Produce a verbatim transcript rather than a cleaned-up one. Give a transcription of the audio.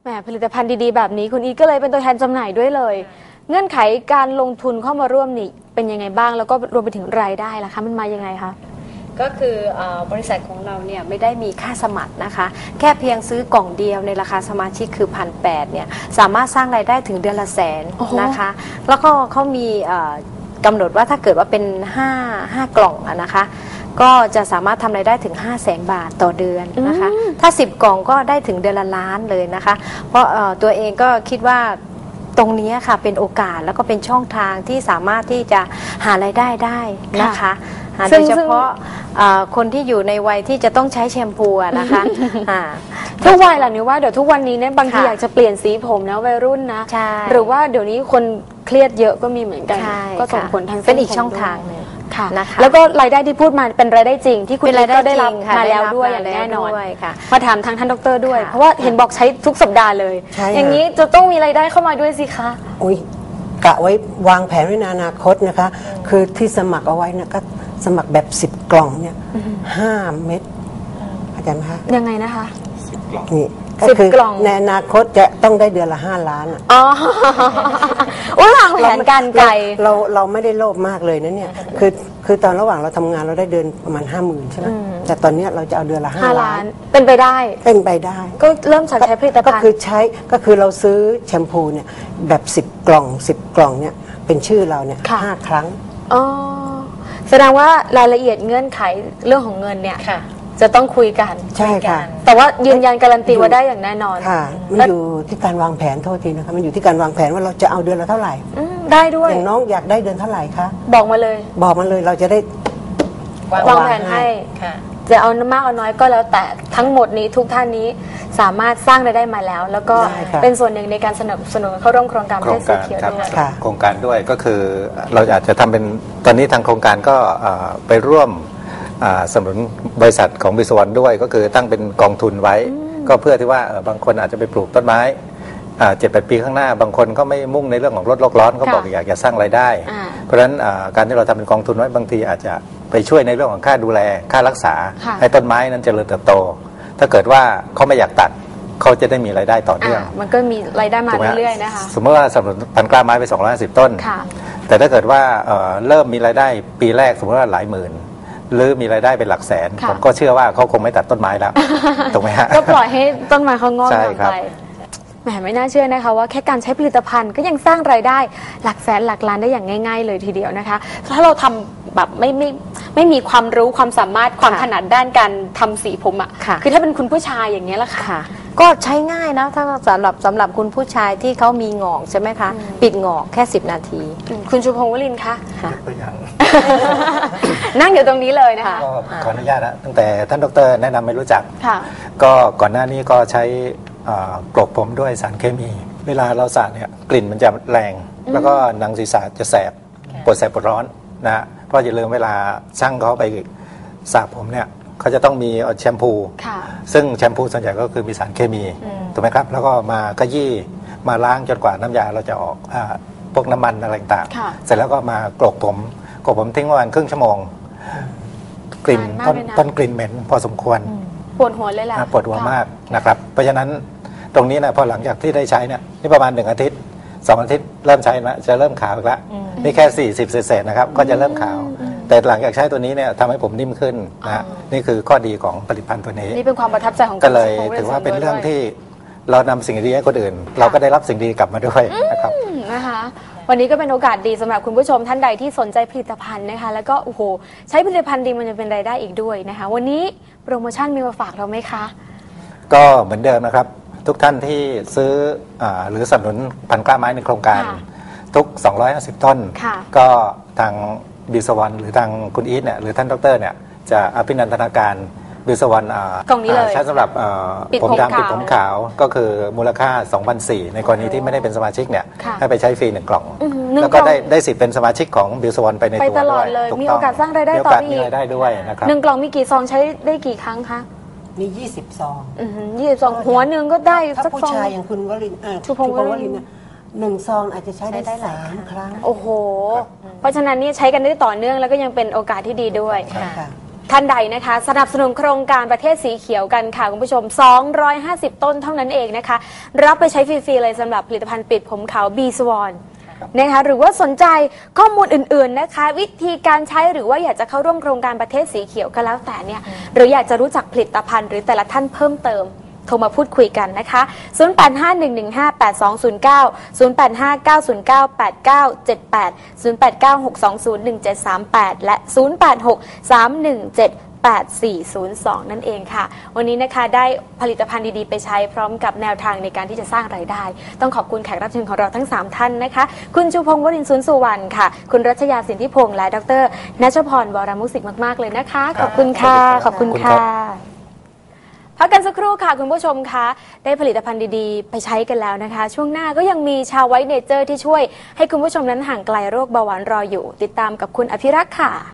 แหมผลิตภัณฑ์ดีๆแบบนี้คุณอีทก็เลยเป็นตัวแทนจำหน่ายด้วยเลยเงื่อนไขการลงทุนเข้ามาร่วมนี่เป็นยังไงบ้างแล้วก็รวมไปถึงรายได้ล่ะคะมันมายังไงคะก็คือบริษัทของเราเนี่ยไม่ได้มีค่าสมัครนะคะแค่เพียงซื้อกล่องเดียวในราคาสมาชิกคือพันแปดเนี่ยสามารถสร้างรายได้ถึงเดือนละแสนนะคะแล้วก็เขามีกำหนดว่าถ้าเกิดว่าเป็นห้า ห้ากล่องนะคะก็จะสามารถทำรายได้ถึง ห้าแสน บาทต่อเดือนนะคะถ้าสิบกล่องก็ได้ถึงเดือนละล้านเลยนะคะเพราะตัวเองก็คิดว่าตรงนี้ค่ะเป็นโอกาสแล้วก็เป็นช่องทางที่สามารถที่จะหารายได้ได้นะคะโดยเฉพาะคนที่อยู่ในวัยที่จะต้องใช้แชมพูนะคะทุกวัยแหละนี่ว่าเดี๋ยวทุกวันนี้เนี่ยบางทีอยากจะเปลี่ยนสีผมนะวัยรุ่นนะหรือว่าเดี๋ยวนี้คนเครียดเยอะก็มีเหมือนกันก็ส่งผลทางเป็นอีกช่องทางนึงค่ะแล้วก็รายได้ที่พูดมาเป็นรายได้จริงที่คุณก็ได้รับมาแล้วด้วยอย่างแน่นอนมาถามทางท่านดรด้วยเพราะว่าเห็นบอกใช้ทุกสัปดาห์เลยอย่างนี้จะต้องมีรายได้เข้ามาด้วยสิคะอุ้ยกะไว้วางแผนไว้ในอนาคตนะคะคือที่สมัครเอาไว้นะก็สมัครแบบสิบกล่องเนี่ยห้าเม็ดเข้าใจไหมคะยังไงนะคะสิบกล่องนี่ก็คือในอนาคตจะต้องได้เดือนละห้าล้านอ๋อวางแผนการไกลเราเราไม่ได้โลภมากเลยนะเนี่ยคือคือตอนระหว่างเราทำงานเราได้เดือนประมาณห้าหมื่นใช่ไหมแต่ตอนนี้เราจะเอาเดือนละห้าล้านเป็นไปได้เป็นไปได้ก็เริ่มใช้ผลิตภัณฑ์ก็คือใช้ก็คือเราซื้อแชมพูเนี่ยแบบสิบกล่องสิบกล่องเนี่ยเป็นชื่อเราเนี่ยห้าครั้งอ๋อแสดงว่ารายละเอียดเงื่อนไขเรื่องของเงินเนี่ยจะต้องคุยกันใช่ค่ะแต่ว่ายืนยันการันตีว่าได้อย่างแน่นอนค่ะมันอยู่ที่การวางแผนโทษทีนะคะมันอยู่ที่การวางแผนว่าเราจะเอาเดือนละเท่าไหร่ได้ด้วยอย่างน้องอยากได้เดือนเท่าไหร่คะบอกมาเลยบอกมาเลยเราจะได้วางแผนให้จะเอามากเอาน้อยก็แล้วแต่ทั้งหมดนี้ทุกท่านนี้สามารถสร้างรายได้มาแล้วแล้วก็เป็นส่วนหนึ่งในการสนับสนุนเข้าร่วมโครงการประเทศสีเขียวด้วยโครงการด้วยก็คือเราอาจจะทำเป็นตอนนี้ทางโครงการก็ไปร่วมสนับสนุนบริษัทของบิสวรรณด้วยก็คือตั้งเป็นกองทุนไว้ก็เพื่อที่ว่าบางคนอาจจะไปปลูกต้นไม้เจ็ดแปดปีข้างหน้าบางคนก็ไม่มุ่งในเรื่องของลดโลกร้อนเขาบอกอยากจะสร้างรายได้เพราะฉะนั้นการที่เราทำเป็นกองทุนไว้บางทีอาจจะไปช่วยในเรื่องของค่าดูแลค่ารักษาให้ต้นไม้นั้นเจริญเติบโตถ้าเกิดว่าเขาไม่อยากตัดเขาจะได้มีรายได้ต่อเนื่องมันก็มีรายได้มาเรื่อยๆนะคะสมมติว่าสำหรับพันกล้าไม้ไปสองร้อยห้าสิบต้นแต่ถ้าเกิดว่าเริ่มมีรายได้ปีแรกสมมติว่าหลายหมื่นหรือมีรายได้เป็นหลักแสนผมก็เชื่อว่าเขาคงไม่ตัดต้นไม้แล้วถูกไหมฮะก็ปล่อยให้ต้นไม้เขางอกงามไปแหมไม่น่าเชื่อนะคะว่าแค่การใช้ผลิตภัณฑ์ก็ยังสร้างรายได้หลักแสนหลักล้านได้อย่างง่ายๆเลยทีเดียวนะคะถ้าเราทำแบบไม่ไม่ไม่มีความรู้ความสามารถความถนัดด้านการทำสีผมอ่ะคือถ้าเป็นคุณผู้ชายอย่างนี้ล่ะค่ะก็ใช้ง่ายนะถ้าสำหรับสำหรับคุณผู้ชายที่เขามีงอกใช่ไหมคะปิดงอกแค่สิบนาทีคุณชูพงศ์วลินทร์คะนั่งอยู่ตรงนี้เลยนะคะก็ขออนุญาตนะตั้งแต่ท่านดรแนะนำไม่รู้จักก็ก่อนหน้านี้ก็ใช้กลบผมด้วยสารเคมีเวลาเราสระเนี่ยกลิ่นมันจะแรงแล้วก็หนังศีรษะจะแสบปวดแสบปวดร้อนนะเพราะอย่าลืมเวลาช่างเขาไปสระผมเนี่ยเขาจะต้องมีแชมพูซึ่งแชมพูส่วนใหญ่ก็คือมีสารเคมีถูกไหมครับแล้วก็มาขยี้มาล้างจนกว่าน้ำยาเราจะออกพวกน้ำมันอะไรต่างๆเสร็จแล้วก็มากรอกผมกรอกผมทิ้งประมาณครึ่งชั่วโมงกลิ่นต้นต้นกลิ่นเหม็นพอสมควรปวดหัวเลยแหละปวดหัวมากนะครับเพราะฉะนั้นตรงนี้นะพอหลังจากที่ได้ใช้เนี่ยนี่ประมาณหนึ่งอาทิตย์สองอาทิตย์เริ่มใช้นะจะเริ่มขาวอีกแล้วนี่แค่สี่สิบเศษๆนะครับก็จะเริ่มขาวแต่หลังจากใช้ตัวนี้เนี่ยทำให้ผมนิ่มขึ้นนะนี่คือข้อดีของผลิตภัณฑ์ตัวนี้นี่เป็นความประทับใจของก็เลยถือว่าเป็นเรื่องที่เรานำสิ่งดีให้คนอื่นเราก็ได้รับสิ่งดีกลับมาด้วยนะครับนะคะวันนี้ก็เป็นโอกาสดีสำหรับคุณผู้ชมท่านใดที่สนใจผลิตภัณฑ์นะคะแล้วก็โอ้โหใช้ผลิตภัณฑ์ดีมันจะเป็นรายได้อีกด้วยนะคะวันนี้โปรโมชั่นมีมาฝากเราไหมคะก็เหมือนเดิมนะครับทุกท่านที่ซื้อหรือสนับสนุนพันกล้าไม้ในโครงการทุกสองร้อยห้าสิบต้นก็ทางบิสวรรณหรือทางคุณอีทเนี่ยหรือท่านดรเนี่ยจะอภินันทนาการบิสวรรณกล่องนี้เลยใช้สำหรับผมดำปิดผมขาวก็คือมูลค่า สองพันสี่ร้อย ในกรณีที่ไม่ได้เป็นสมาชิกเนี่ยให้ไปใช้ฟรีหนึ่งกล่องแล้วก็ได้ได้สิทธิ์เป็นสมาชิกของบิสวรรณไปในตัวด้วยมีโอกาสสร้างรายได้ต่ออีกมีรายได้ด้วยนะครับหนึ่งกล่องมีกี่ซองใช้ได้กี่ครั้งคะมียี่สิบซองยี่สิบซองหัวหนึ่งก็ได้สักซองถ้าผู้ชายอย่างคุณวลินชูพงศ์วลินเนี่ยหนึ่งซองอาจจะใช้ได้สามครั้งโอ้โหเพราะฉะนั้นนี่ใช้กันได้ต่อเนื่องแล้วก็ยังเป็นโอกาสที่ดีด้วยท่านใดนะคะสนับสนุนโครงการประเทศสีเขียวกันค่ะคุณผู้ชมสองร้อยห้าสิบต้นเท่านั้นเองนะคะรับไปใช้ฟรีๆเลยสำหรับผลิตภัณฑ์ปิดผมขาว บี สวอน นะคะหรือว่าสนใจข้อมูลอื่นๆนะคะวิธีการใช้หรือว่าอยากจะเข้าร่วมโครงการประเทศสีเขียวก็แล้วแต่เนี่ยหรืออยากจะรู้จักผลิตภัณฑ์หรือแต่ละท่านเพิ่มเติมโทรมาพูดคุยกันนะคะ ศูนย์ แปด ห้า หนึ่ง หนึ่ง ห้า แปด สอง ศูนย์ เก้า ศูนย์ แปด ห้า เก้า ศูนย์ เก้า แปด เก้า เจ็ด แปด ศูนย์ แปด เก้า หก สอง ศูนย์ หนึ่ง เจ็ด สาม แปด และ ศูนย์ แปด หก สาม หนึ่ง เจ็ด แปด สี่ ศูนย์ สอง นั่นเองค่ะวันนี้นะคะได้ผลิตภัณฑ์ดีๆไปใช้พร้อมกับแนวทางในการที่จะสร้างรายได้ต้องขอบคุณแขกรับเชิญของเราทั้งสามท่านนะคะคุณชูพงศ์วรินทร์สุนสุวรรณค่ะคุณรัชยาสินธิพงษ์และดรณัชพรวรมุสิกมากๆเลยนะคะขอบคุณค่ะขอบคุณค่ะพักกันสักครู่ค่ะคุณผู้ชมคะได้ผลิตภัณฑ์ดีๆไปใช้กันแล้วนะคะช่วงหน้าก็ยังมีชาวไวท์เนเจอร์ที่ช่วยให้คุณผู้ชมนั้นห่างไกลโรคเบาหวานรออยู่ติดตามกับคุณอภิรักษ์ค่ะ